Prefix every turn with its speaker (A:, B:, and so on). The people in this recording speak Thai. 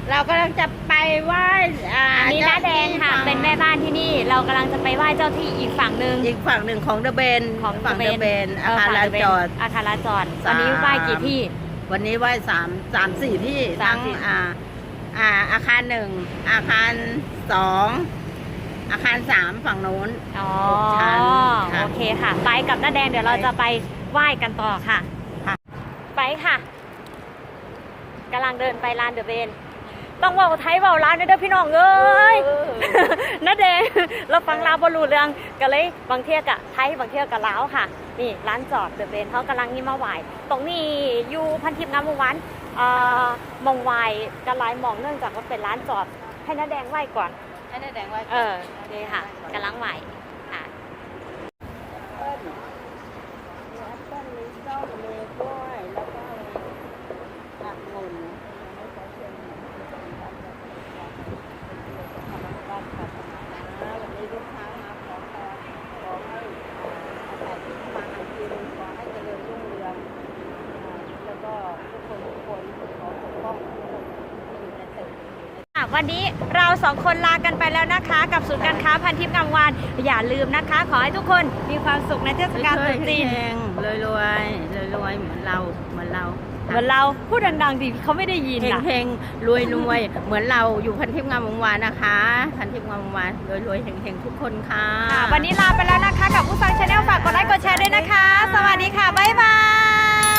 A: เรากำลังจะไปไหว้
B: อันนี้น้าแดงค่ะเป็นแม่บ้านที่นี่เรากำลังจะไปไหว้เจ้าที่อีกฝั่งหนึ่ง
A: ของเดอะเบน
B: ของ
A: ฝั่งเดอะเบนอาคารลานจอด
B: อาคารลานจอดวันนี้ไหว้กี่ที่
A: วันนี้ไหว้4 ที่ทั้งอาคาร1อาคาร2อาคาร3ฝั่งโน้น
B: อ๋อ
A: ชั้น
B: โอเคค่ะไปกับน้าแดงเดี๋ยวเราจะไปไหว้กันต่อค่ะไปค่ะกำลังเดินไปลานเดอะเบนต้องว่าไทยว่าร้านเด้อพี่น้องเอ้ยน้าแดงเราฟังลาวบอลูเรื่องกันเลยบางเที่ยกะไทยบางเที่ยกะลาวค่ะนี่ร้านจอดเดอะเบนเขากำลังนี่มาไหวตรงนี้อยู่พันทิพย์งามวงศ์วันมองไหวกันหลายมองเนื่องจากว่าเป็นร้านจอดให้น้าแดงไหวก่อน
A: ให้น้าแดงไหว้
B: นี่ค่ะกำลังไหวค่ะ
A: ต้นนี้ส้มมีกล้วยแล้วก็ผักมุนวันนี้ลูกค้ามาขอให้อาศัยที่มาหากินขอให้เจริญรุ่งเรืองแล้วก็ทุกคนขอปกป้องทุกคนอยู่ในตึก
B: วันนี้เราสองคนลากันไปแล้วนะคะกับศูนย์การค้าพันทิพย์งามวานอย่าลืมนะคะขอให้ทุกคนมีความสุขในเทศกาลตรุษจีน
A: รวยเหมือนเรา
B: พูดดังๆดิเขาไม่ได้ยิน
A: เฮงรวยเหมือนเราอยู่พันทิพย์งามวงศ์วานนะคะพันทิพย์งามวงศ์วานรวยเฮงทุกคนค่ะ
B: วันนี้ลาไปแล้วนะคะกับผู้ฟังชาแนลฝากกดไลค์กดแชร์ด้วยนะคะสวัสดีค่ะบ๊ายบาย